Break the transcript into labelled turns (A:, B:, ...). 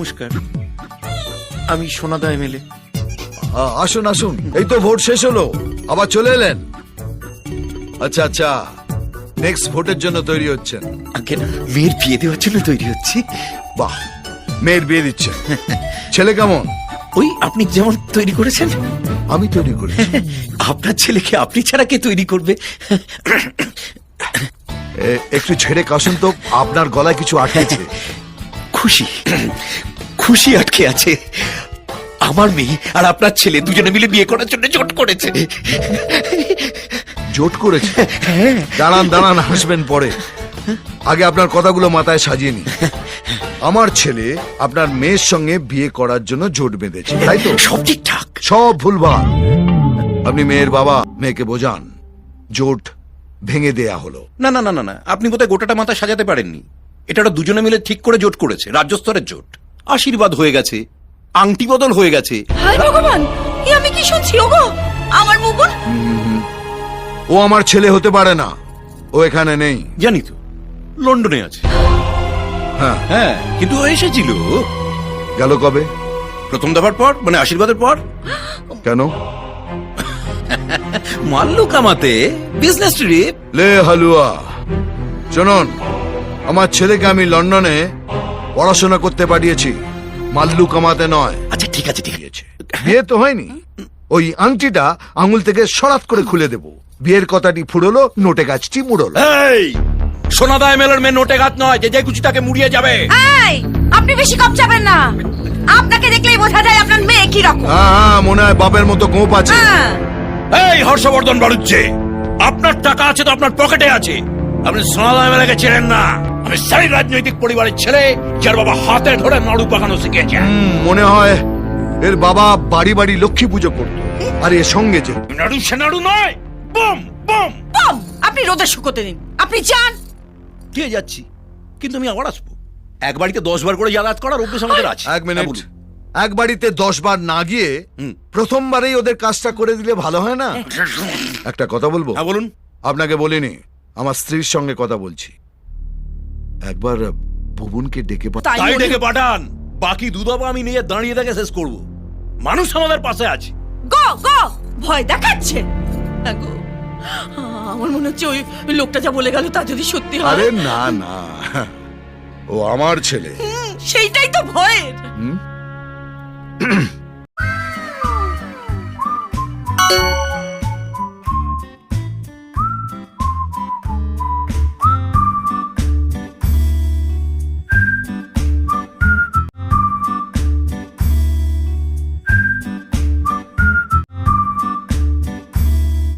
A: নমস্কার, আমি সোনাদা এমএলএ।
B: আসুন আসুন, এই তো ভোট শেষ হলো, আবার চলে এলেন। আচ্ছা আচ্ছা, নেক্সট ভোটের জন্য তৈরি হচ্ছেন?
A: আগে না, মেয়ের বিয়ে দেওয়ার জন্য তৈরি হচ্ছি।
B: বাহ, মেয়ের বিয়ে দিচ্ছে। ছেলে কেমন?
A: ওই আপনি যেমন তৈরি করেছেন।
B: আমি তৈরি করেছি?
A: আপনার ছেলেকে আপনি ছাড়া কে তৈরি করবে?
B: একটু ছেড়ে কাশুন তো, আপনার গলায় কিছু আটকেছে।
A: খুশি, খুশি আটকে আছে। আমার মেয়ে আর আপনার ছেলে দুজনে মিলে বিয়ে করার জন্য জোট করেছে।
B: জোট করেছে? দাঁড়ান দাঁড়ান, হাসবেন পরে, আগে আপনার কথাগুলো মাথায় সাজিয়ে নি। আমার ছেলে আপনার মেয়ের সঙ্গে বিয়ে করার জন্য জোট বেঁধেছে, তাই তো?
A: সব ঠিকঠাক।
B: সব ভুলভাল। আপনি মেয়ের বাবা, মেয়েকে বোঝান জোট ভেঙে দেয়া হলো।
A: না না না না না, আপনি বোধহয় গোটাটা মাথা সাজাতে পারেননি। এটা ওরা দুজনে মিলে ঠিক করে জোট করেছে, রাজ্য স্তরের জোট। আশীর্বাদ হয়ে গেছে, আংটি বদল হয়ে গেছে।
C: হায় ভগবান, এ আমি কি শুনছি? ওগো, আমার মুকুন।
B: ও আমার ছেলে হতে পারে না, ও এখানে নেই।
A: জানি তো, লন্ডনে আছে।
B: হ্যাঁ
A: হ্যাঁ, কিন্তু ও এসেছিল
B: গেল কবে?
A: প্রথম দফার পর, মানে আশীর্বাদের পর।
B: কেন?
A: মাল্লু কামাতে, বিজনেস ট্রিপ।
B: লে হালুয়া, শুনুন, আমার ছেলেকে আমি লন্ডনে পড়াশোনা করতে পাঠিয়েছি, মাল্লু কামাতে নয়।
A: আচ্ছা ঠিক আছে ঠিক আছে।
B: বিয়ে তো হয়নি, ওই আংটিটা আঙুল থেকে সরাত করে খুলে দেব। বিয়ের কথাটি ফুরলো, নোটে গাছটি মুড়লো।
A: এই সোনাদা এমএলএর মেয়ে নোটে গাছ নয় যে যে খুশি তাকে মুড়িয়ে যাবে।
C: এই, আপনি বেশি কম যাবেন না। আপনাকে দেখলেই বোঝা যায় আপনার মেয়ে কি রকম।
B: হ্যাঁ, মনে হয় বাপের মতো গোপ আছে।
C: হ্যাঁ।
A: এই হর্ষবর্ধন বাড়ুচ্ছে, আপনার টাকা আছে তো আপনার পকেটে আছে। আপনি সোনাদা এমএলএকে চেনেন না। আমি সেই রাজনৈতিক পরিবারের ছেলে যার বাবা হাতে ধরে নাড়ু পাকানো শিখেছে।
B: মনে হয় এর বাবা বাড়ি বাড়ি লক্ষ্মী পুজো করতো, আর এর সঙ্গে যে
A: নাড়ু সে নাড়ু নয়, বম বম।
C: বম, আপনি রোদে শুকোতে দিন, আপনি যান।
A: দিয়ে যাচ্ছি, কিন্তু আমি আবার আসবো। এক বাড়িতে 10 বার করে যাতায়াত করার অভ্যেস আমাদের আছে।
B: এক মিনিট,
A: হ্যাঁ, বলুন।
B: এক বাড়িতে 10 বার না গিয়ে প্রথমবারেই ওদের কাজটা করে দিলে ভালো হয় না? একটা কথা বলবো?
A: হ্যাঁ বলুন।
B: আপনাকে বলিনি, আমার স্ত্রীর সঙ্গে কথা বলছি। একবার ভুবনকে ডেকে
C: তাই
A: তাই
C: বলি।
A: ডেকে পাঠান, বাকি দুধাবা আমি নিয়ে দাঁড়িয়ে দেখে শেষ করব। মানুষ আমাদের পাশে আছে।
C: গো গো, ভয় দেখাচ্ছে। হ্যাঁ গো, আমার মনে হচ্ছে ওই লোকটা যা বলে গেল তা যদি সত্যি হয়।
B: আরে না না, ও আমার ছেলে।
C: সেইটাই তো ভয়ের।